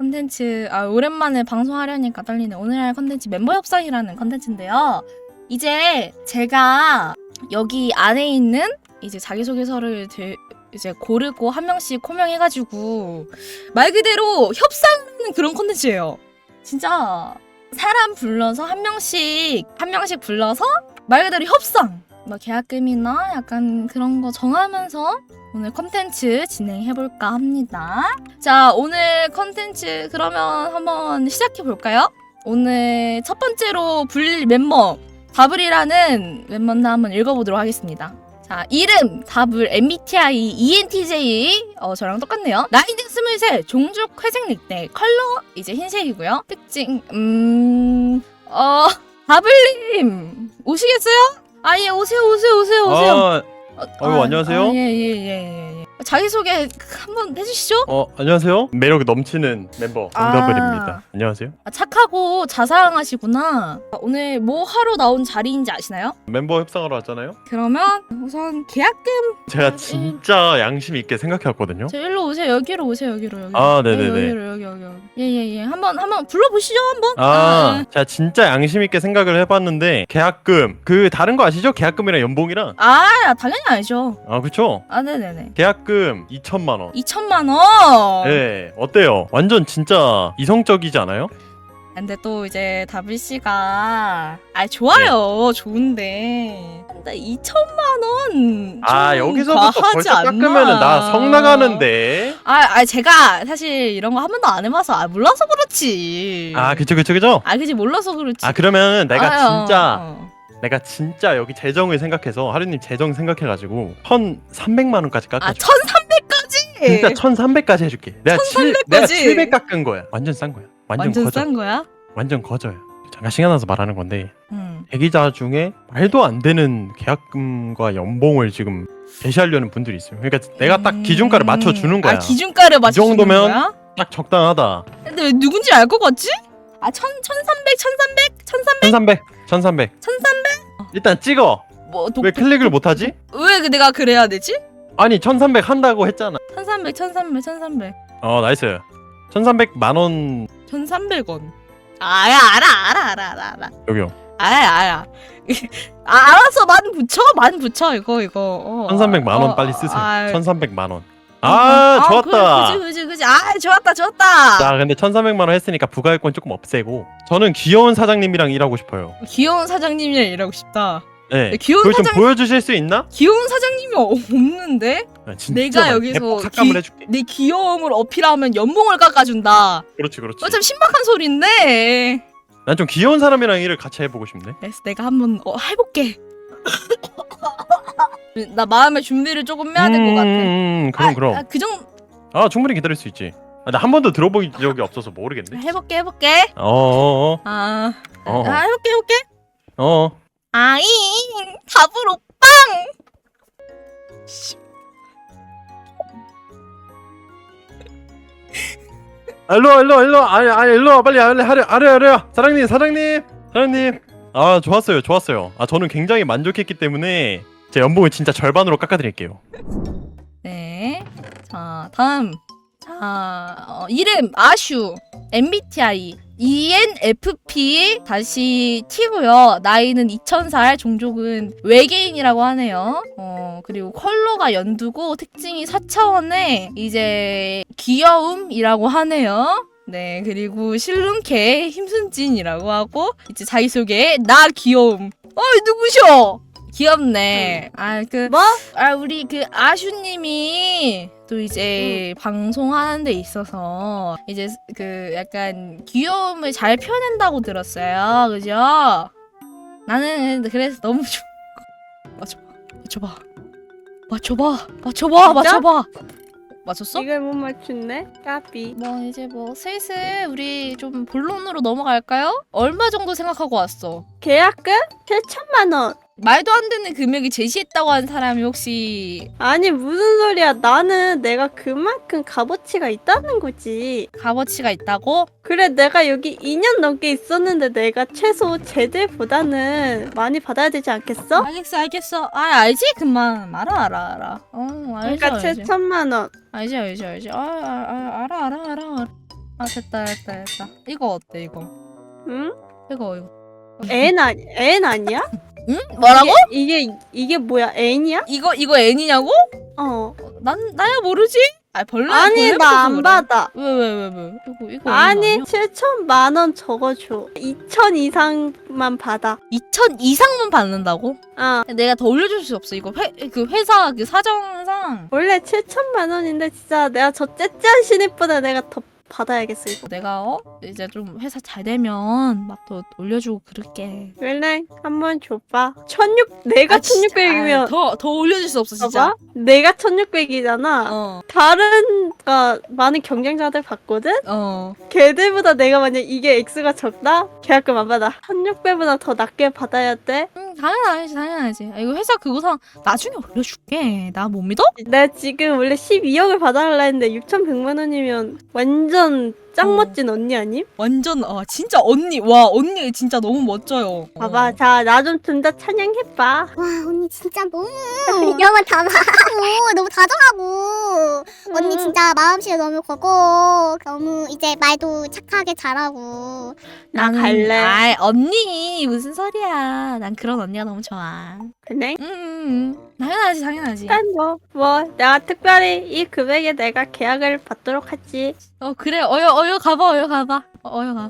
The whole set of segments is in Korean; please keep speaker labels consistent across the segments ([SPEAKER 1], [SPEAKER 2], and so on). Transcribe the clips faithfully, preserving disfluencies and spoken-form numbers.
[SPEAKER 1] 컨텐츠 아 오랜만에 방송하려니까 떨리네. 오늘 할 컨텐츠 멤버 협상이라는 컨텐츠인데요. 이제 제가 여기 안에 있는 이제 자기소개서를 들, 이제 고르고 한 명씩 코명해가지고 말 그대로 협상하는 그런 컨텐츠예요. 진짜 사람 불러서 한 명씩 한 명씩 불러서 말 그대로 협상. 뭐 계약금이나 약간 그런 거 정하면서 오늘 컨텐츠 진행해볼까 합니다. 자, 오늘 컨텐츠 그러면 한번 시작해볼까요? 오늘 첫 번째로 불릴 멤버 다블이라는 멤버나 한번 읽어보도록 하겠습니다. 자, 이름 다블 엠비티아이 이엔티제이 어 저랑 똑같네요. 나이는 스물셋, 종족 회색 닉네임, 컬러 이제 흰색이고요. 특징 음... 어... 다블님 오시겠어요? 아, 예, 오세요, 오세요, 오세요, 오세요.
[SPEAKER 2] 아,
[SPEAKER 1] 어,
[SPEAKER 2] 아유, 안녕하세요.
[SPEAKER 1] 아, 예, 예, 예, 예, 예. 자기소개 한번 해주시죠.
[SPEAKER 2] 어, 안녕하세요. 매력 넘치는 멤버 정다블입니다.
[SPEAKER 1] 아.
[SPEAKER 2] 안녕하세요.
[SPEAKER 1] 아, 착하고 자상하시구나. 아, 오늘 뭐 하러 나온 자리인지 아시나요?
[SPEAKER 2] 멤버 협상하러 왔잖아요.
[SPEAKER 1] 그러면 우선 계약금.
[SPEAKER 2] 제가 진짜 양심 있게 생각해왔거든요.
[SPEAKER 1] 저 일로 오세요. 여기로 오세요. 여기로 여기.
[SPEAKER 2] 아, 네네네.
[SPEAKER 1] 여기로 여기 여기 여기. 예예예. 한번 한번 불러보시죠 한번.
[SPEAKER 2] 아,
[SPEAKER 1] 아,
[SPEAKER 2] 제가 진짜 양심 있게 생각을 해봤는데 계약금 그 다른 거 아시죠? 계약금이랑 연봉이랑.
[SPEAKER 1] 아, 아 당연히 알죠.
[SPEAKER 2] 아, 그쵸?
[SPEAKER 1] 아, 네네네.
[SPEAKER 2] 계약금 이천만 원.
[SPEAKER 1] 이천만 원.
[SPEAKER 2] 네, 어때요? 완전 진짜 이성적이지 않아요?
[SPEAKER 1] 근데 또 이제 다블 씨가 아 좋아요. 좋은데. 근데 이천만 원.
[SPEAKER 2] 아,
[SPEAKER 1] 좀
[SPEAKER 2] 여기서부터
[SPEAKER 1] 과하지
[SPEAKER 2] 벌써
[SPEAKER 1] 않나?
[SPEAKER 2] 깎으면은 나 성 나가는데.
[SPEAKER 1] 아, 아 제가 사실 이런 거 한 번도 안 해봐서 아, 몰라서 그렇지.
[SPEAKER 2] 아, 그쵸, 그쵸, 그쵸?
[SPEAKER 1] 아, 그지 몰라서 그렇지.
[SPEAKER 2] 아, 그러면 내가
[SPEAKER 1] 아유,
[SPEAKER 2] 진짜
[SPEAKER 1] 어.
[SPEAKER 2] 내가 진짜 여기 재정을 생각해서 하루님 재정 생각해가지고 천삼백만 원까지 깎아줘.
[SPEAKER 1] 아, 천삼백까지.
[SPEAKER 2] 진짜 천삼백까지 해줄게. 내가 칠, 내가
[SPEAKER 1] 천삼백까지?
[SPEAKER 2] 칠백 깎은 거야. 완전 싼 거야. 완전,
[SPEAKER 1] 완전
[SPEAKER 2] 거저.
[SPEAKER 1] 싼 거야?
[SPEAKER 2] 완전 거저야. 잠깐 시간 나서 말하는 건데
[SPEAKER 1] 응.
[SPEAKER 2] 대기자 중에 말도 안 되는 계약금과 연봉을 지금 제시하려는 분들이 있어요. 그러니까 내가 딱 기준가를 맞춰 주는 거야.
[SPEAKER 1] 아, 기준가를 맞춰 주는
[SPEAKER 2] 정도면
[SPEAKER 1] 거야?
[SPEAKER 2] 딱 적당하다.
[SPEAKER 1] 근데 왜 누군지 알 것 같지? 아, 천, 천삼백, 천삼백, 천삼백,
[SPEAKER 2] 천삼백, 천삼백.
[SPEAKER 1] 천삼백.
[SPEAKER 2] 일단 찍어.
[SPEAKER 1] 뭐 독,
[SPEAKER 2] 왜 클릭을 못 하지?
[SPEAKER 1] 왜 그 내가 그래야 되지?
[SPEAKER 2] 아니 천삼백 한다고 했잖아.
[SPEAKER 1] 천삼백, 천삼백, 천삼백.
[SPEAKER 2] 어, 나이스. 천삼백만 원
[SPEAKER 1] 천삼백 원. 아, 야, 알아, 알아, 알아, 알아, 알아.
[SPEAKER 2] 여기요.
[SPEAKER 1] 알아, 알아. 아, 알았어, 만 붙여, 만 붙여, 이거, 이거. 어,
[SPEAKER 2] 천삼백만 원
[SPEAKER 1] 어,
[SPEAKER 2] 빨리 쓰세요.
[SPEAKER 1] 아,
[SPEAKER 2] 천삼백만 원. 아,
[SPEAKER 1] 아,
[SPEAKER 2] 좋았다.
[SPEAKER 1] 그지, 그지, 그지. 아, 좋았다, 좋았다.
[SPEAKER 2] 자, 근데 천삼백만 원 했으니까 부가액권 조금 없애고 저는 귀여운 사장님이랑 일하고 싶어요.
[SPEAKER 1] 귀여운 사장님이랑 일하고 싶다.
[SPEAKER 2] 네.
[SPEAKER 1] 귀여운
[SPEAKER 2] 그걸 좀
[SPEAKER 1] 사장-
[SPEAKER 2] 보여주실 수 있나?
[SPEAKER 1] 귀여운 사장님이 없는데?
[SPEAKER 2] 아, 진짜
[SPEAKER 1] 내가
[SPEAKER 2] 많이
[SPEAKER 1] 여기서
[SPEAKER 2] 대폭 삭감을
[SPEAKER 1] 기-
[SPEAKER 2] 해줄게.
[SPEAKER 1] 내 귀여움을 어필하면 연봉을 깎아준다.
[SPEAKER 2] 그렇지, 그렇지.
[SPEAKER 1] 어, 참 신박한 소리인데.
[SPEAKER 2] 난 좀 귀여운 사람이랑 일을 같이 해보고 싶네.
[SPEAKER 1] 그래서 내가 한번 어, 해볼게. 나 마음의 준비를 조금 해야 될 것 같아.
[SPEAKER 2] 음, 그럼
[SPEAKER 1] 아,
[SPEAKER 2] 그럼.
[SPEAKER 1] 아, 그 정도
[SPEAKER 2] 아, 충분히 기다릴 수 있지. 아, 나 한 번도 들어본 적이 없어서 모르겠네.
[SPEAKER 1] 해볼게, 해볼게.
[SPEAKER 2] 어어어.
[SPEAKER 1] 아,
[SPEAKER 2] 어.
[SPEAKER 1] 아 해볼게, 해볼게.
[SPEAKER 2] 어.
[SPEAKER 1] 아잉, 답을 오빵.
[SPEAKER 2] 아, 일로 와, 일로 와, 일로 와. 아니, 아니, 일로 와. 빨리 아래, 아래, 아래, 아래. 사장님, 사장님, 사장님. 아, 좋았어요, 좋았어요. 아, 저는 굉장히 만족했기 때문에 제 연봉을 진짜 절반으로 깎아드릴게요.
[SPEAKER 1] 네. 자, 다음. 자, 어, 이름 아슈, 엠비티아이 이엔에프피 다시 T고요. 나이는 이천 살, 종족은 외계인이라고 하네요. 어, 그리고 컬러가 연두고 특징이 사 차원의 이제 귀여움이라고 하네요. 네, 그리고 실눈캐 힘순진이라고 하고 이제 자기소개 나 귀여움. 어이 누구셔? 귀엽네. 아, 그
[SPEAKER 3] 뭐?
[SPEAKER 1] 아, 우리 그 아슈님이 또 이제 방송하는 데 있어서 이제 그 약간 귀여움을 잘 표현한다고 들었어요. 그죠? 나는 그래서 너무 좋... 맞춰봐. 맞춰봐. 맞춰봐. 맞춰봐. 맞춰봐. 맞췄어?
[SPEAKER 3] 이걸 못 맞췄네? 까비.
[SPEAKER 1] 뭐 이제 뭐 슬슬 우리 좀 본론으로 넘어갈까요? 얼마 정도 생각하고 왔어?
[SPEAKER 3] 계약금? 칠천만 원.
[SPEAKER 1] 말도 안 되는 금액이 제시했다고 한 사람이 혹시
[SPEAKER 3] 아니 무슨 소리야. 나는 내가 그만큼 값어치가 있다는 거지.
[SPEAKER 1] 값어치가 있다고?
[SPEAKER 3] 그래 내가 여기 이 년 넘게 있었는데 내가 최소 쟤들보다는 많이 받아야 되지 않겠어?
[SPEAKER 1] 알겠어 알겠어. 아 알지? 금방 알아 알아 알아. 어 알지
[SPEAKER 3] 그러니까
[SPEAKER 1] 알지.
[SPEAKER 3] 칠천만 원.
[SPEAKER 1] 알지 알지 알지. 아, 아, 아 알아 알아 알아 알아. 아 됐다 됐다 됐다. 이거 어때 이거?
[SPEAKER 3] 응?
[SPEAKER 1] 이거 이거.
[SPEAKER 3] N 아니 N 아니야?
[SPEAKER 1] 응? 뭐라고?
[SPEAKER 3] 이게 이게, 이게 뭐야? N이야?
[SPEAKER 1] 이거 이거 N이냐고?
[SPEAKER 3] 어.
[SPEAKER 1] 난 나야 모르지? 아 벌레
[SPEAKER 3] 아니
[SPEAKER 1] 벌레부터
[SPEAKER 3] 나 안
[SPEAKER 1] 그래.
[SPEAKER 3] 받아.
[SPEAKER 1] 왜 왜 왜 왜? 이거 이거
[SPEAKER 3] 아니
[SPEAKER 1] 아니야?
[SPEAKER 3] 칠천만 원 적어줘. 이천 이상만 받아.
[SPEAKER 1] 이천 이상만 받는다고?
[SPEAKER 3] 어.
[SPEAKER 1] 내가 더 올려줄 수 없어. 이거 회 그 회사 그 사정상
[SPEAKER 3] 원래 칠천만 원인데 진짜 내가 저 째째한 신입보다 내가 더 받아야겠어 이거.
[SPEAKER 1] 내가 어 이제 좀 회사 잘 되면 막 더 올려주고 그럴게.
[SPEAKER 3] 원래 한번 줘봐. 천육 내가 천육백이면
[SPEAKER 1] 더더 올려줄 수 없어 진짜.
[SPEAKER 3] 봐봐. 내가 천육백이잖아.
[SPEAKER 1] 어
[SPEAKER 3] 다른 가 많은 경쟁자들 받거든.
[SPEAKER 1] 어.
[SPEAKER 3] 걔들보다 내가 만약 이게 X가 적다? 계약금 안 받아. 천육 배보다 더 낮게 받아야 돼.
[SPEAKER 1] 응 당연하지 당연하지. 아, 이거 회사 그거상 나중에 올려줄게. 나 못 믿어?
[SPEAKER 3] 내가 지금 원래 십이억을 받아달라 했는데 육천백만 원이면 완전 짱
[SPEAKER 1] 어.
[SPEAKER 3] 멋진 언니 아님?
[SPEAKER 1] 완전 아 진짜 언니 와 언니 진짜 너무 멋져요.
[SPEAKER 3] 봐봐,
[SPEAKER 1] 어.
[SPEAKER 3] 자 나 좀 좀 더 찬양해봐.
[SPEAKER 4] 와 언니 진짜 너무 이런 다 말하고 너무 다정하고 언니
[SPEAKER 3] 음.
[SPEAKER 4] 진짜 마음씨가 너무 고고 너무 이제 말도 착하게 잘하고
[SPEAKER 3] 나
[SPEAKER 1] 나는-
[SPEAKER 3] 갈래.
[SPEAKER 1] 아이 언니 무슨 소리야. 난 그런 언니가 너무 좋아.
[SPEAKER 3] 그래?
[SPEAKER 1] 응, 응, 응. 당연하지 당연하지.
[SPEAKER 3] 일단 뭐, 뭐 내가 특별히 이 금액에 내가 계약을 받도록 하지.
[SPEAKER 1] 어 그래 어여 어여 가봐 어여 가봐 어, 어여 가.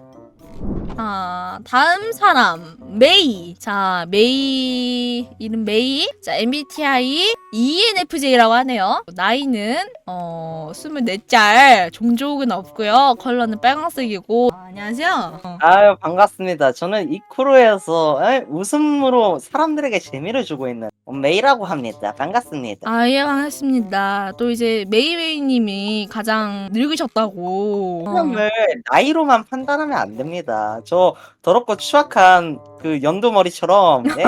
[SPEAKER 1] 아 다음 사람 메이. 자 메이 이름 메이. 자 엠비티아이 이엔에프제이라고 하네요. 나이는 어 스물네 살. 종족은 없고요. 컬러는 빨강색이고. 아, 안녕하세요. 어.
[SPEAKER 5] 아유 반갑습니다. 저는 이쿠루에서 에, 웃음으로 사람들에게 재미를 주고 있는 메이라고 합니다. 반갑습니다.
[SPEAKER 1] 아, 예, 반갑습니다. 또 이제 메이웨이님이 가장 늙으셨다고. 어.
[SPEAKER 5] 사람을 나이로만 판단하면 안 됩니다. 저 더럽고 추악한 그 연두머리처럼 예?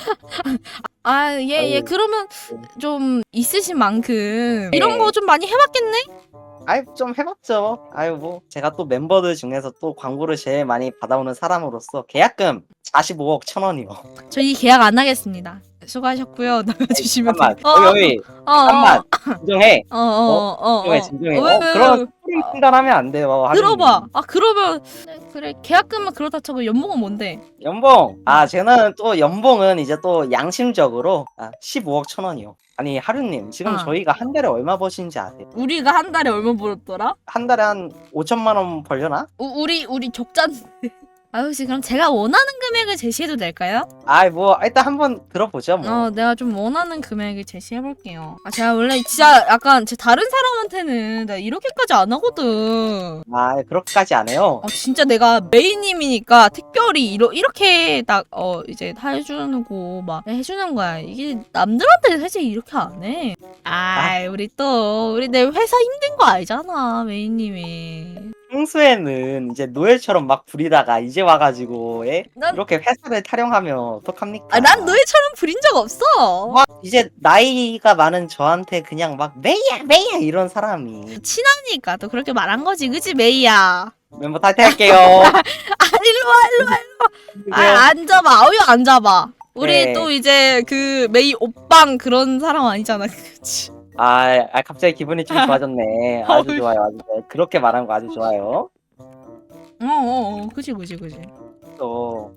[SPEAKER 1] 아, 예, 예.
[SPEAKER 5] 아유.
[SPEAKER 1] 그러면 좀 있으신 만큼 이런
[SPEAKER 5] 네.
[SPEAKER 1] 거 좀 많이 해봤겠네?
[SPEAKER 5] 아유 좀 해봤죠. 아유 뭐 제가 또 멤버들 중에서 또 광고를 제일 많이 받아오는 사람으로서 계약금 사십오억 천 원이요.
[SPEAKER 1] 저희 계약 안 하겠습니다. 수고하셨고요. 나가주시면
[SPEAKER 5] 잠깐만
[SPEAKER 1] 돼요. 어,
[SPEAKER 5] 여기
[SPEAKER 1] 어, 어,
[SPEAKER 5] 잠깐만 진정해.
[SPEAKER 1] 어, 어, 어, 어.
[SPEAKER 5] 진정해 진정해.
[SPEAKER 1] 왜,
[SPEAKER 5] 어,
[SPEAKER 1] 왜,
[SPEAKER 5] 그런
[SPEAKER 1] 왜?
[SPEAKER 5] 소리 판단하면 안 돼요. 하루님.
[SPEAKER 1] 들어봐. 아, 그러면 네, 그래. 계약금은 그렇다 쳐도 연봉은 뭔데?
[SPEAKER 5] 연봉. 아, 저는 또 연봉은 이제 또 양심적으로 아, 십오억 천 원이요. 아니, 하루님, 지금
[SPEAKER 1] 아.
[SPEAKER 5] 저희가 한 달에 얼마 버시는지 아세요?
[SPEAKER 1] 우리가 한 달에 얼마 벌었더라?
[SPEAKER 5] 한 달에 한 오천만 원 벌려나?
[SPEAKER 1] 우, 우리 우리 적자인데. 아, 혹시 그럼 제가 원하는 금액을 제시해도 될까요?
[SPEAKER 5] 아이, 뭐, 일단 한번 들어보죠, 뭐.
[SPEAKER 1] 어, 내가 좀 원하는 금액을 제시해볼게요. 아, 제가 원래 진짜 약간 제 다른 사람한테는 내가 이렇게까지 안 하거든.
[SPEAKER 5] 아, 그렇게까지 안 해요.
[SPEAKER 1] 아, 진짜 내가 메이님이니까 특별히 이러, 이렇게 딱, 어, 이제 다 해주는 거, 막, 해주는 거야. 이게 남들한테 사실 이렇게 안 해. 아, 우리 또, 우리 내 회사 힘든 거 알잖아, 메이님이.
[SPEAKER 5] 평소에는 이제 노예처럼 막 부리다가 이제 와가지고, 예?
[SPEAKER 1] 난,
[SPEAKER 5] 이렇게 회사를 타령하면 어떡합니까?
[SPEAKER 1] 아, 난 너희처럼 부린 적 없어.
[SPEAKER 5] 막 이제 나이가 많은 저한테 그냥 막 메이야, 메이야 이런 사람이.
[SPEAKER 1] 친하니까 또 그렇게 말한 거지, 그지, 메이야?
[SPEAKER 5] 멤버 탈퇴할게요.
[SPEAKER 1] 아, 일로 와, 일로 와. 아, 앉아봐. 어여 앉아봐. 우리
[SPEAKER 5] 네.
[SPEAKER 1] 또 이제 그 메이 오빵 그런 사람 아니잖아. 그치?
[SPEAKER 5] 아, 아, 갑자기 기분이 좀 좋아졌네. 아주
[SPEAKER 1] 어이.
[SPEAKER 5] 좋아요, 아주 좋아요. 그렇게 말한 거 아주 좋아요.
[SPEAKER 1] 어, 어, 어. 그지, 그지, 그지.
[SPEAKER 5] 또,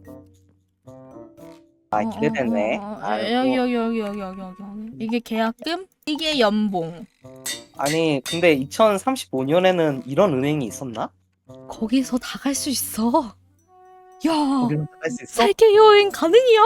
[SPEAKER 5] 아,
[SPEAKER 1] 어,
[SPEAKER 5] 기대됐네.
[SPEAKER 1] 어, 어, 어.
[SPEAKER 5] 아이고.
[SPEAKER 1] 여기, 여기, 여기, 여기, 여기, 여기. 이게 계약금, 이게 연봉.
[SPEAKER 5] 아니, 근데 이천삼십오 년에는 이런 은행이 있었나?
[SPEAKER 1] 거기서 다 갈 수 있어. 야,
[SPEAKER 5] 우리는 갈 수 있어?
[SPEAKER 1] 세계 여행 가능이야.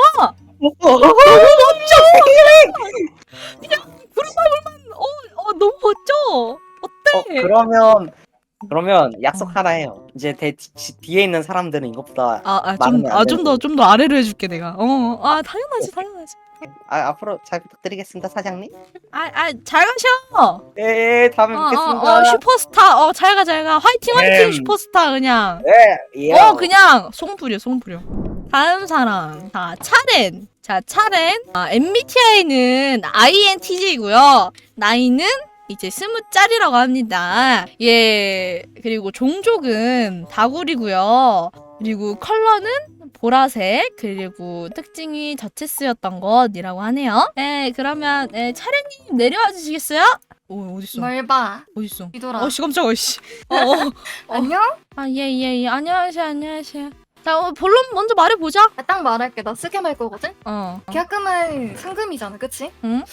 [SPEAKER 1] 어, 어, 너무 멋져. 어때?
[SPEAKER 5] 어, 그러면, 그러면 약속 하나 해요. 이제 대, 뒤, 뒤에 있는 사람들은 이것보다,
[SPEAKER 1] 아, 아, 좀,
[SPEAKER 5] 많으면 안
[SPEAKER 1] 아, 좀
[SPEAKER 5] 되고.
[SPEAKER 1] 더, 좀 더 아래로 해줄게 내가. 어, 아, 당연하지, 당연하지.
[SPEAKER 5] 아, 앞으로 잘 부탁드리겠습니다, 사장님.
[SPEAKER 1] 아, 아, 잘 가셔.
[SPEAKER 5] 네, 다음에
[SPEAKER 1] 어,
[SPEAKER 5] 뵙겠습니다.
[SPEAKER 1] 어, 어, 슈퍼스타. 어, 잘 가, 잘 가. 화이팅, 화이팅,
[SPEAKER 5] 음.
[SPEAKER 1] 슈퍼스타, 그냥.
[SPEAKER 5] 네, 예.
[SPEAKER 1] 어, 그냥, 송 부려, 송 부려. 다음 사람. 자, 차렌. 자, 차렌. 아, 엠비티아이는 아이엔티제이고요. 나이는 이제 스무 짤이라고 합니다. 예, 그리고 종족은 다구리고요. 그리고 컬러는 보라색, 그리고 특징이 저체스였던 것이라고 하네요. 네, 그러면 네, 차례님 내려와 주시겠어요? 오, 어딨어?
[SPEAKER 6] 뭘 봐?
[SPEAKER 1] 어딨어?
[SPEAKER 6] 뒤돌아.
[SPEAKER 1] 어씨 깜짝아 씨. 어, 어.
[SPEAKER 6] 안녕?
[SPEAKER 1] 아, 예, 예, 예. 안녕하세요, 안녕하세요. 자, 어, 본론 먼저 말해보자.
[SPEAKER 6] 아, 딱 말할게. 나 쓰게 말 거거든?
[SPEAKER 1] 어.
[SPEAKER 6] 계약금은 상금이잖아, 그치?
[SPEAKER 1] 응?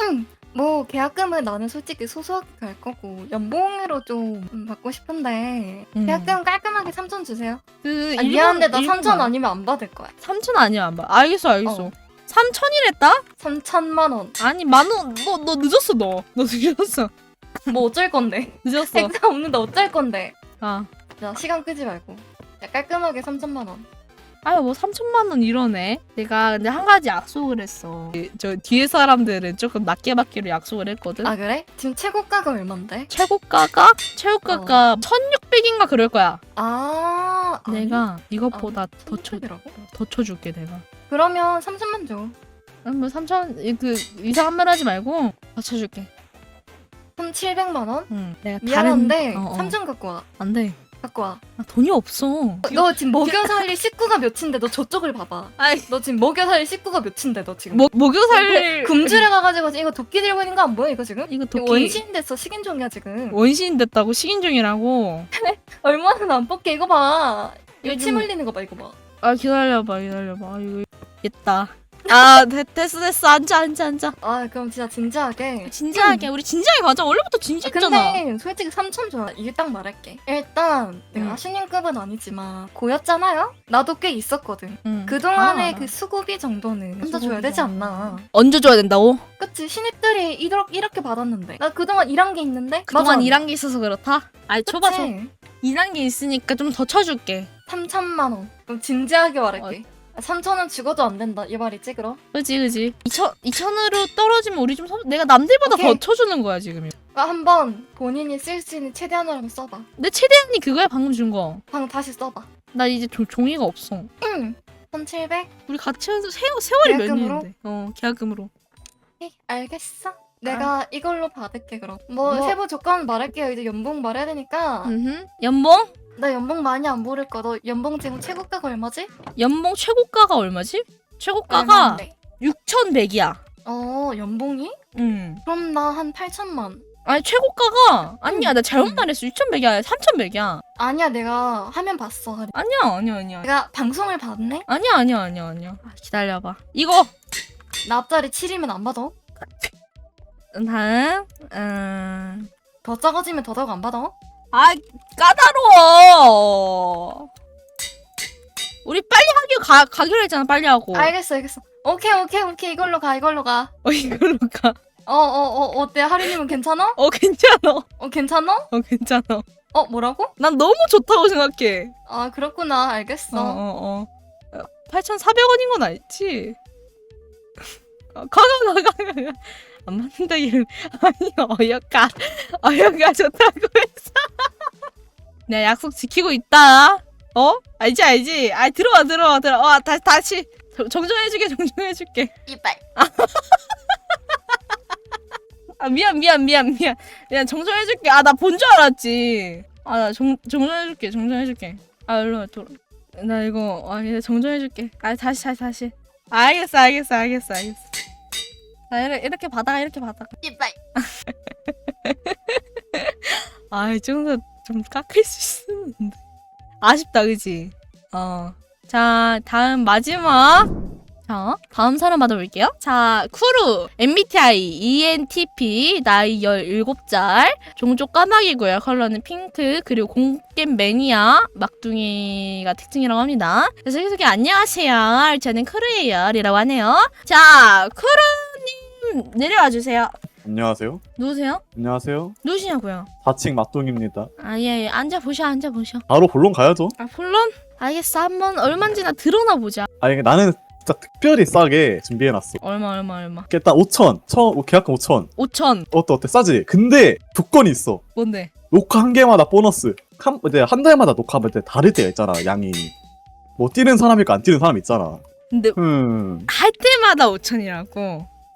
[SPEAKER 6] 뭐 계약금은 나는 솔직히 소소하게 갈 거고 연봉으로 좀 음, 받고 싶은데
[SPEAKER 1] 음.
[SPEAKER 6] 계약금 깔끔하게 삼천 주세요.
[SPEAKER 1] 그
[SPEAKER 6] 아,
[SPEAKER 1] 일본-
[SPEAKER 6] 미안한데 나
[SPEAKER 1] 일본
[SPEAKER 6] 삼천
[SPEAKER 1] 말.
[SPEAKER 6] 아니면 안 받을 거야.
[SPEAKER 1] 삼천 아니야, 안 봐. 알겠어, 알겠어.
[SPEAKER 6] 어.
[SPEAKER 1] 삼천이랬다?
[SPEAKER 6] 삼천만 원.
[SPEAKER 1] 아니, 만 원. 너, 너 늦었어, 너. 너 늦었어.
[SPEAKER 6] 뭐 어쩔 건데?
[SPEAKER 1] 늦었어.
[SPEAKER 6] 행사 없는데 어쩔 건데?
[SPEAKER 1] 아.
[SPEAKER 6] 자 시간 끄지 말고. 야, 깔끔하게 삼천만 원.
[SPEAKER 1] 아유, 뭐 삼천만 원 이러네. 내가 근데 한 가지 약속을 했어. 저 뒤에 사람들은 조금 낮게 받기로 약속을 했거든.
[SPEAKER 6] 아 그래? 지금 최고가가 얼만데?
[SPEAKER 1] 최고가가? 최고가가 천육백인가 그럴 거야.
[SPEAKER 6] 아 아니?
[SPEAKER 1] 내가 이것보다
[SPEAKER 6] 아니,
[SPEAKER 1] 더 쳐,
[SPEAKER 6] 천육백이라고?
[SPEAKER 1] 더 쳐줄게, 내가.
[SPEAKER 6] 그러면 삼천만 줘.
[SPEAKER 1] 아니, 뭐 삼천, 그, 이상한 말 하지 말고 더 쳐줄게.
[SPEAKER 6] 그럼 칠백만 원?
[SPEAKER 1] 응. 내가
[SPEAKER 6] 미안한데
[SPEAKER 1] 다른... 어, 어.
[SPEAKER 6] 삼천 갖고 와.
[SPEAKER 1] 안 돼.
[SPEAKER 6] 갖고 와.
[SPEAKER 1] 나 돈이 없어.
[SPEAKER 6] 너 지금 먹여 살릴 식구가 몇인데 너 저쪽을 봐봐.
[SPEAKER 1] 아이,
[SPEAKER 6] 너 지금 먹여 살릴 식구가 몇인데 너 지금.
[SPEAKER 1] 뭐, 목욕살.
[SPEAKER 6] 금주를 가가지고 지금 이거 도끼 들고 있는 거 안 보여 이거 지금?
[SPEAKER 1] 이거
[SPEAKER 6] 이거
[SPEAKER 1] 도끼.
[SPEAKER 6] 원시인 됐어 식인종이야 지금.
[SPEAKER 1] 원시인 됐다고? 식인종이라고?
[SPEAKER 6] 얼마나 안 뽑게 이거 봐. 이거
[SPEAKER 1] 요즘-
[SPEAKER 6] 침 흘리는 거 봐 이거 봐.
[SPEAKER 1] 아, 기다려봐, 기다려봐. 아, 이거, 있다. 아, 됐, 됐어, 됐어. 앉아, 앉아, 앉아.
[SPEAKER 6] 아 그럼 진짜 진지하게.
[SPEAKER 1] 진지하게, 우리 진지하게 가자. 원래부터
[SPEAKER 6] 아,
[SPEAKER 1] 진지했잖아.
[SPEAKER 6] 근데 솔직히 삼천 줘야 이게 딱 말할게. 일단 내가
[SPEAKER 1] 응.
[SPEAKER 6] 신인급은 아니지만 고였잖아요? 나도 꽤 있었거든.
[SPEAKER 1] 응.
[SPEAKER 6] 그동안의
[SPEAKER 1] 아,
[SPEAKER 6] 그 수고비 정도는 얹어줘야
[SPEAKER 1] 수고비가.
[SPEAKER 6] 되지 않나.
[SPEAKER 1] 얹어줘야 된다고?
[SPEAKER 6] 그치 신입들이 이렇게, 이렇게 받았는데 나 그동안 일한 게 있는데
[SPEAKER 1] 그동안
[SPEAKER 6] 맞아.
[SPEAKER 1] 일한 게 있어서 그렇다? 아니, 줘봐, 줘.
[SPEAKER 6] 그치?
[SPEAKER 1] 일한 게 있으니까 좀 더 쳐줄게.
[SPEAKER 6] 삼천만 원. 그럼 진지하게
[SPEAKER 1] 어.
[SPEAKER 6] 말할게. 삼천 원 죽어도 안 된다. 이 말이지 그럼?
[SPEAKER 1] 그지, 그지. 이천, 이천으로 떨어지면 우리 좀, 서, 내가 남들보다
[SPEAKER 6] 오케이.
[SPEAKER 1] 더 쳐주는 거야, 지금.
[SPEAKER 6] 그러니까 한번 본인이 쓸 수 있는 최대한으로 한번 써봐.
[SPEAKER 1] 내 최대한이 그거야, 방금 준 거.
[SPEAKER 6] 방금 다시 써봐.
[SPEAKER 1] 나 이제 조, 종이가 없어.
[SPEAKER 6] 응. 천칠백?
[SPEAKER 1] 우리 같이 해서 세, 세월이 몇
[SPEAKER 6] 계약금으로?
[SPEAKER 1] 년인데. 어, 계약금으로.
[SPEAKER 6] 오케이, 알겠어. 내가 이걸로 받을게 그럼. 뭐,
[SPEAKER 1] 아. 뭐?
[SPEAKER 6] 세부 조건 말할게요. 이제 연봉 말해야 되니까.
[SPEAKER 1] 음흠. 연봉?
[SPEAKER 6] 나 연봉 많이 안 모를 거. 너 연봉 지금 최고가가 얼마지?
[SPEAKER 1] 연봉 최고가가 얼마지? 최고가가
[SPEAKER 6] 얼마인데?
[SPEAKER 1] 육천백이야.
[SPEAKER 6] 어, 연봉이?
[SPEAKER 1] 응.
[SPEAKER 6] 그럼 나 한 팔천만.
[SPEAKER 1] 아니, 최고가가 아니야.
[SPEAKER 6] 응.
[SPEAKER 1] 나 잘못
[SPEAKER 6] 응.
[SPEAKER 1] 말했어. 육천백이 아니라 삼천백이야.
[SPEAKER 6] 아니야, 내가 화면 봤어.
[SPEAKER 1] 아니야, 아니야, 아니야.
[SPEAKER 6] 내가 방송을 봤네?
[SPEAKER 1] 아니야, 아니야, 아니야, 아니야. 아, 기다려봐. 이거
[SPEAKER 6] 나 앞자리 칠이면 안 받아?
[SPEAKER 1] 다음. 음.
[SPEAKER 6] 더 작아지면 더 작아 안 받아?
[SPEAKER 1] 아, 까다로워. 우리 빨리 하기로 가, 가기로 했잖아. 빨리 하고.
[SPEAKER 6] 알겠어, 알겠어. 오케이, 오케이, 오케이. 이걸로 가, 이걸로 가.
[SPEAKER 1] 어, 이걸로 가.
[SPEAKER 6] 어, 어, 어, 어때? 하루님은 괜찮아?
[SPEAKER 1] 어, 괜찮아.
[SPEAKER 6] 어, 괜찮아?
[SPEAKER 1] 어, 괜찮아.
[SPEAKER 6] 어, 뭐라고?
[SPEAKER 1] 난 너무 좋다고 생각해.
[SPEAKER 6] 아, 그렇구나. 알겠어.
[SPEAKER 1] 어, 어, 어. 팔천사백 원인 건 알지? 어, 가, 가, 가, 가, 가. 안 맞는다, 이름. 아니, 어여가. 어여가 좋다고 했어. 내가 약속 지키고 있다. 어? 알지, 알지? 아, 들어와, 들어와, 들어와. 어, 다시, 다시. 정- 정정해줄게, 정정해줄게.
[SPEAKER 6] 이빨.
[SPEAKER 1] 아, 미안, 미안, 미안, 미안. 미안, 정정해줄게. 아, 나 본 줄 알았지. 아, 나 정, 정정해줄게, 정정해줄게. 아, 일로 와, 돌아. 나 이거, 아, 이제 정정해줄게. 아, 다시, 다시, 다시. 알겠어, 알겠어, 알겠어, 알겠어. 자, 이렇게, 이렇게 받아가, 이렇게 받아가.
[SPEAKER 6] 이빨.
[SPEAKER 1] 아, 이 정도 좀 깎을 수 있었는데. 아쉽다, 그지? 어. 자, 다음 마지막. 자, 다음 사람 받아볼게요. 자, 쿠루, 엠비티아이, 이엔티피, 나이 열일곱 살, 종족 까마귀고요. 컬러는 핑크, 그리고 공겜 매니아, 막둥이가 특징이라고 합니다. 그래서 계속해 안녕하세요. 저는 쿠루예요. 이라고 하네요. 자, 쿠루님 내려와 주세요.
[SPEAKER 7] 안녕하세요.
[SPEAKER 1] 누구세요?
[SPEAKER 7] 안녕하세요.
[SPEAKER 1] 누구시냐고요?
[SPEAKER 7] 사 층 막동입니다.
[SPEAKER 1] 아, 예, 예. 앉아보셔, 앉아보셔.
[SPEAKER 7] 바로 본론 가야죠.
[SPEAKER 1] 아, 물론? 알겠어. 한번 얼마인지나 들어나 보자.
[SPEAKER 7] 아니 나는 진짜 특별히 싸게 준비해놨어.
[SPEAKER 1] 얼마, 얼마, 얼마.
[SPEAKER 7] 일단 오천. 처음 계약금 오천.
[SPEAKER 1] 오천.
[SPEAKER 7] 어때 어때 싸지? 근데 조건이 있어.
[SPEAKER 1] 뭔데?
[SPEAKER 7] 녹화 한 개마다 보너스. 한, 이제 한 달마다 녹화하면 이제 다를 때가 있잖아. 양이. 뭐 뛰는 사람 있고 안 뛰는 사람 있잖아.
[SPEAKER 1] 근데
[SPEAKER 7] 음.
[SPEAKER 1] 할 때마다 오천이라고.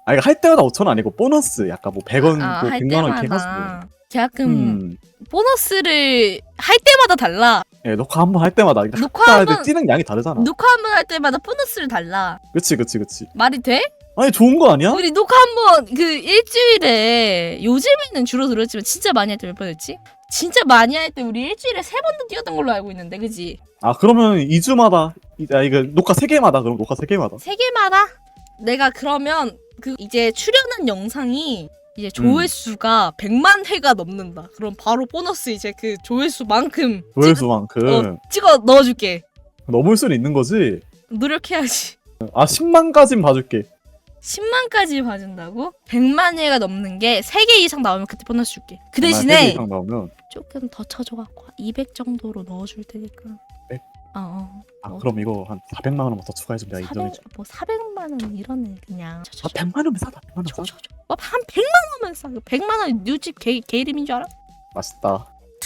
[SPEAKER 7] 아 이거 할 때마다 오천 원 아니고 보너스 약간 뭐 백 원,
[SPEAKER 1] 아,
[SPEAKER 7] 뭐
[SPEAKER 1] 할
[SPEAKER 7] 백만 원 이렇게 해가지고.
[SPEAKER 1] 때마다 계약금
[SPEAKER 7] 음.
[SPEAKER 1] 보너스를 할 때마다 달라.
[SPEAKER 7] 예, 녹화 한 번 할 때마다 그러니까
[SPEAKER 1] 녹화
[SPEAKER 7] 각자
[SPEAKER 1] 한
[SPEAKER 7] 이제
[SPEAKER 1] 번-
[SPEAKER 7] 뛰는 양이 다르잖아.
[SPEAKER 1] 녹화 한 번 할 때마다 보너스를 달라.
[SPEAKER 7] 그치 그치 그치.
[SPEAKER 1] 말이 돼?
[SPEAKER 7] 아니 좋은 거 아니야?
[SPEAKER 1] 우리 녹화 한 번 그 일주일에 요즘에는 줄어들었지만 진짜 많이 할 때 몇 번했지? 진짜 많이 할 때 우리 일주일에 세 번도 뛰었던 걸로 알고 있는데, 그지?
[SPEAKER 7] 아 그러면 이 주마다 아 이거 녹화 세 개마다 그럼 녹화 세 개마다.
[SPEAKER 1] 세 개마다 내가 그러면 그 이제 출연한 영상이 이제 조회수가 백만 회가 넘는다. 그럼 바로 보너스 이제 그 조회수만큼
[SPEAKER 7] 조회수만큼
[SPEAKER 1] 찍어, 어, 찍어 넣어줄게.
[SPEAKER 7] 넘을 수는 있는 거지.
[SPEAKER 1] 노력해야지.
[SPEAKER 7] 아 십만까진 봐줄게.
[SPEAKER 1] 십만까지 봐준다고? 백만 회가 넘는 게 세 개 이상 나오면 그때 보너스 줄게. 그
[SPEAKER 7] 세 개
[SPEAKER 1] 대신에
[SPEAKER 7] 이상 나오면.
[SPEAKER 1] 조금 더 쳐줘갖고 이백 정도로 넣어줄 테니까.
[SPEAKER 7] 백?
[SPEAKER 1] 어, 어.
[SPEAKER 7] 아
[SPEAKER 1] 어.
[SPEAKER 7] 그럼 이거 한 사백만 원만 더 추가해주면 내가
[SPEAKER 1] 사백,
[SPEAKER 7] 인정해줘.
[SPEAKER 1] 뭐 사백만 원 이러네 그냥. 쳐, 쳐,
[SPEAKER 7] 아
[SPEAKER 1] 쳐.
[SPEAKER 7] 백만 원면 싸다. 백만 원
[SPEAKER 1] 쳐,
[SPEAKER 7] 싸.
[SPEAKER 1] 쳐, 쳐. 어, 한 백만 원만 싸. 백만 원 뉴집 개, 개 이름인 줄 알아?
[SPEAKER 7] 맛있다.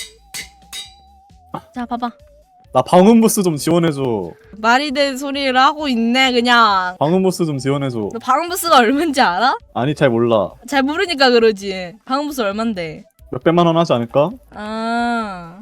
[SPEAKER 1] 자 봐봐.
[SPEAKER 7] 나 방음부스 좀 지원해줘.
[SPEAKER 1] 말이 된 소리를 하고 있네 그냥.
[SPEAKER 7] 방음부스 좀 지원해줘.
[SPEAKER 1] 너 방음부스가 얼마인지 알아?
[SPEAKER 7] 아니 잘 몰라.
[SPEAKER 1] 잘 모르니까 그러지. 방음부스 얼만데?
[SPEAKER 7] 몇백만 원 하지 않을까?
[SPEAKER 1] 아,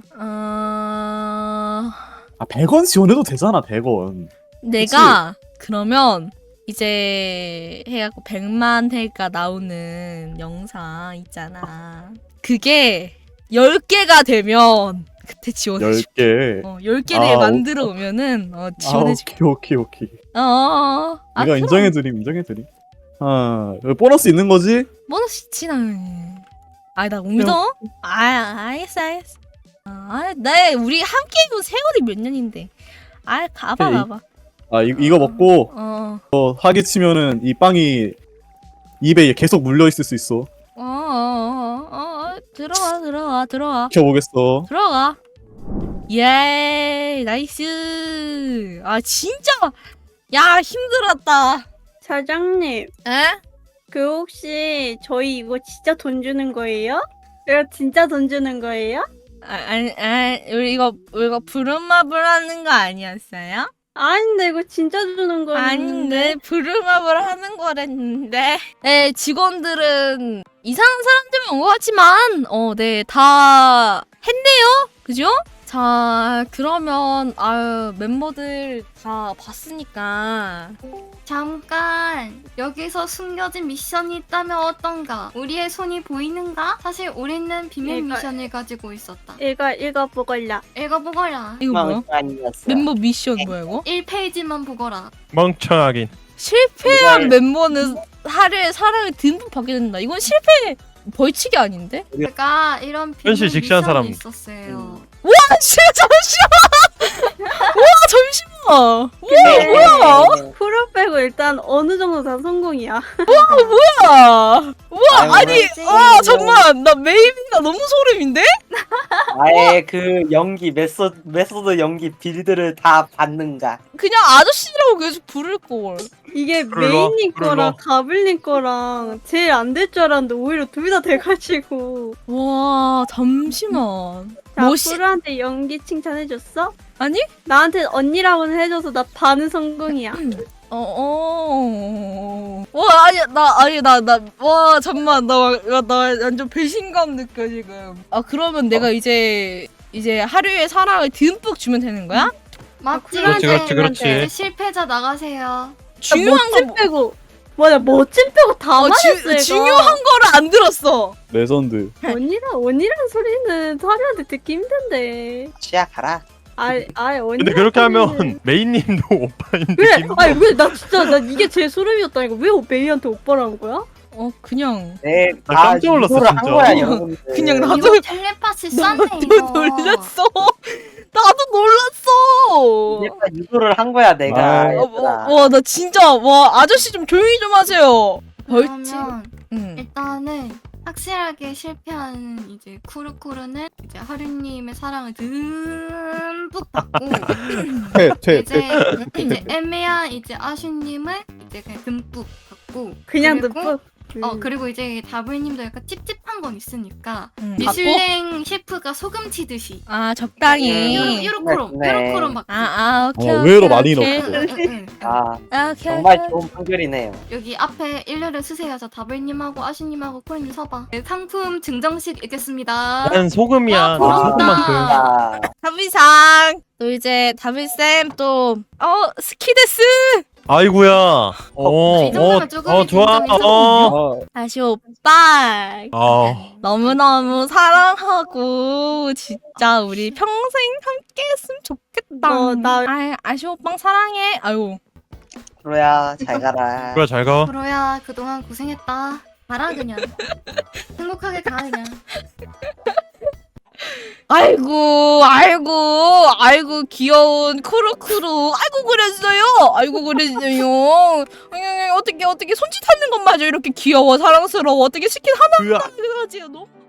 [SPEAKER 1] 아,
[SPEAKER 7] 아 백 원 지원해도 되잖아. 백 원.
[SPEAKER 1] 내가 그러면 이제 해갖고 백만 회가 나오는 영상 있잖아. 그게 열 개가 되면 그때 지원해줘.
[SPEAKER 7] 열 개.
[SPEAKER 1] 어, 열 개를
[SPEAKER 7] 아,
[SPEAKER 1] 만들어 오면은 어, 지원해줄게.
[SPEAKER 7] 아, 오케이 오케이 오케이.
[SPEAKER 1] 어, 어, 어. 아,
[SPEAKER 7] 이거
[SPEAKER 1] 그럼
[SPEAKER 7] 인정해드림 인정해드림. 아 여기 보너스 있는 거지?
[SPEAKER 1] 보너스 있지 당연히. 아이 나 믿어? 아, 알겠어 알겠어. 아, 나 우리 함께 해본 세월이 몇 년인데. 아, 가봐
[SPEAKER 7] 오케이.
[SPEAKER 1] 가봐.
[SPEAKER 7] 아 이, 이거 먹고
[SPEAKER 1] 어,
[SPEAKER 7] 어, 사기 치면은 이 빵이 입에 계속 물려 있을 수 있어.
[SPEAKER 1] 어, 어, 어, 어, 어, 들어와 들어와 들어와.
[SPEAKER 7] 지켜보겠어.
[SPEAKER 1] 들어가. 예, 나이스. 아 진짜. 야 힘들었다.
[SPEAKER 3] 사장님,
[SPEAKER 1] 에?
[SPEAKER 3] 그 혹시 저희 이거 진짜 돈 주는 거예요? 이거 진짜 돈 주는 거예요?
[SPEAKER 1] 아, 아니, 아니, 우리 이거 이거 부름마블 하는 거 아니었어요?
[SPEAKER 3] 아닌데 이거 진짜 주는 거예요.
[SPEAKER 1] 아닌데 부름마블 하는 거랬는데. 네, 직원들은 이상한 사람들이 온 것 같지만, 어, 네, 다 했네요, 그죠? 자, 그러면 아유 멤버들 다 봤으니까.
[SPEAKER 6] 잠깐 여기서 숨겨진 미션이 있다면 어떤가? 우리의 손이 보이는가? 사실 우리는 비밀
[SPEAKER 3] 얘가-
[SPEAKER 6] 미션을 가지고 있었다.
[SPEAKER 3] 이거 이거 보걸라.
[SPEAKER 6] 읽어보거라.
[SPEAKER 1] 이거 뭐야?
[SPEAKER 5] 멍청이었어.
[SPEAKER 1] 멤버 미션 뭐야 이거?
[SPEAKER 6] 일 페이지만 보거라.
[SPEAKER 2] 멍청하긴.
[SPEAKER 1] 실패한
[SPEAKER 5] 이걸-
[SPEAKER 1] 멤버는 하루의 사랑을 듬뿍 받게 된다. 이건 실패 벌칙이 아닌데?
[SPEAKER 6] 제가 이런 비밀
[SPEAKER 2] 현실 직시한
[SPEAKER 6] 미션이
[SPEAKER 2] 사람.
[SPEAKER 6] 있었어요.
[SPEAKER 1] 아, 진짜 잠시만. 와 잠시만.
[SPEAKER 3] 근데
[SPEAKER 1] 뭐야?
[SPEAKER 3] 프로 빼고 일단 어느 정도 다 성공이야.
[SPEAKER 1] 뭐야? 우와 아니
[SPEAKER 3] 뭐지?
[SPEAKER 1] 아 잠만 나 메이비가 너무 소름인데?
[SPEAKER 5] 아예 그 연기 메소드 메소드 연기 빌드를 다 받는가.
[SPEAKER 1] 그냥 아저씨라고 계속 부를 걸.
[SPEAKER 3] 이게
[SPEAKER 2] 불러,
[SPEAKER 3] 메인님
[SPEAKER 2] 불러.
[SPEAKER 3] 거랑 가블님 거랑 제일 안 될 줄 알았는데 오히려 둘 다 돼가지고.
[SPEAKER 1] 와 잠시만.
[SPEAKER 3] 자,
[SPEAKER 1] 멋있.
[SPEAKER 3] 프로한테 연기 칭찬해줬어?
[SPEAKER 1] 아니?
[SPEAKER 3] 나한테 언니라고는 해줘서 나 반은 성공이야.
[SPEAKER 1] 어, 어. 와, 아니, 나, 아니, 나, 나, 와, 잠만, 나, 나, 나 완전 배신감 느껴, 지금. 아, 그러면 내가 이제, 이제 하루의 사랑을 듬뿍 주면 되는 거야?
[SPEAKER 6] 맞지?
[SPEAKER 2] 그렇지, 그렇지, 그렇지.
[SPEAKER 6] 이제 실패자 나가세요.
[SPEAKER 1] 중요한
[SPEAKER 3] 멋진
[SPEAKER 1] 거,
[SPEAKER 3] 빼고 뭐야 멋진 빼고 다
[SPEAKER 1] 어,
[SPEAKER 3] 말했어
[SPEAKER 1] 주,
[SPEAKER 3] 얘가.
[SPEAKER 1] 중요한 거를 안 들었어.
[SPEAKER 7] 레전드.
[SPEAKER 3] 언니랑 언니라는 소리는 사리한테 듣기 힘든데.
[SPEAKER 5] 치아 가라.
[SPEAKER 3] 아이 아이 언니.
[SPEAKER 2] 근데 그렇게 하면 메인님도 오빠인데.
[SPEAKER 3] 왜?
[SPEAKER 2] 김도-
[SPEAKER 3] 아니 왜 나 진짜 나 이게 제 소름이었다니까. 왜 메이한테 오빠라는 거야?
[SPEAKER 1] 어, 그냥.
[SPEAKER 5] 네,
[SPEAKER 2] 나
[SPEAKER 5] 다
[SPEAKER 2] 깜짝 놀랐어,
[SPEAKER 5] 유도를 한
[SPEAKER 2] 진짜.
[SPEAKER 5] 거야, 여러분들.
[SPEAKER 1] 그냥 나도-
[SPEAKER 6] 이거 텔레파시 쌌네
[SPEAKER 1] 나도
[SPEAKER 6] 이거.
[SPEAKER 1] 놀랐어. 나도 놀랐어.
[SPEAKER 5] 이제까 유도를 한 거야, 내가.
[SPEAKER 7] 아,
[SPEAKER 1] 어,
[SPEAKER 5] 얘들아.
[SPEAKER 1] 어, 와, 나 진짜, 와, 아저씨 좀 조용히 좀 하세요. 벌칙.
[SPEAKER 6] 그러면
[SPEAKER 1] 응.
[SPEAKER 6] 일단은 확실하게 실패한 이제 쿠르쿠르는 이제 하루님의 사랑을 듬뿍 받고
[SPEAKER 7] 퇴퇴
[SPEAKER 6] 이제 이제 애매한 이제 아슈님은 이제 그냥 듬뿍 받고
[SPEAKER 3] 그냥
[SPEAKER 6] 그리고
[SPEAKER 3] 듣고.
[SPEAKER 6] 어
[SPEAKER 3] 음.
[SPEAKER 6] 그리고 이제 다블님도 약간 찝찝한 건 있으니까
[SPEAKER 1] 음,
[SPEAKER 6] 미슐랭 셰프가 소금 치듯이
[SPEAKER 1] 아 적당히.
[SPEAKER 6] 요렇- 요렇게로
[SPEAKER 5] 네.
[SPEAKER 6] 요렇게로 막
[SPEAKER 1] 아, 아, 오케이.
[SPEAKER 7] 어,
[SPEAKER 1] 오케이,
[SPEAKER 7] 의외로 많이
[SPEAKER 1] 오케이.
[SPEAKER 7] 넣고.
[SPEAKER 6] 응, 응, 응.
[SPEAKER 5] 아
[SPEAKER 1] 아, 오케이,
[SPEAKER 5] 정말
[SPEAKER 1] 오케이.
[SPEAKER 5] 좋은 판결이네요.
[SPEAKER 6] 여기 앞에 일렬을 쓰세요. 저 다블님하고 아시님하고 코리님 서봐. 네, 상품 증정식 있겠습니다.
[SPEAKER 2] 난 소금이야.
[SPEAKER 6] 와,
[SPEAKER 2] 난
[SPEAKER 6] 부럽다.
[SPEAKER 2] 소금만큼.
[SPEAKER 5] 아,
[SPEAKER 1] 다비상 또 이제 다비쌤 또 어 스키데스
[SPEAKER 2] 아이고야. 어, 어,
[SPEAKER 6] 이 정도면 조금
[SPEAKER 2] 어, 좋아.
[SPEAKER 6] 인정이
[SPEAKER 2] 어.
[SPEAKER 7] 어,
[SPEAKER 1] 다시 오빠
[SPEAKER 2] 아,
[SPEAKER 1] 너무너무 사랑하고 진짜 우리 평생 함께 했으면 좋겠다.
[SPEAKER 3] 뭐, 나-
[SPEAKER 1] 아, 아시 오빵 사랑해. 아유.
[SPEAKER 5] 프로야 잘 가라.
[SPEAKER 2] 그래 잘 가.
[SPEAKER 6] 프로야 그동안 고생했다. 가라 그냥. 행복하게 가 그냥.
[SPEAKER 1] 아이고, 아이고, 아이고 귀여운 쿠루쿠루. 아이고 그랬어요. 아이고 그랬어요. 어떻게 어떻게 손짓하는 것마저 이렇게 귀여워 사랑스러워. 어떻게 스킨 하나
[SPEAKER 2] 으아.
[SPEAKER 1] 하나 가지고 너무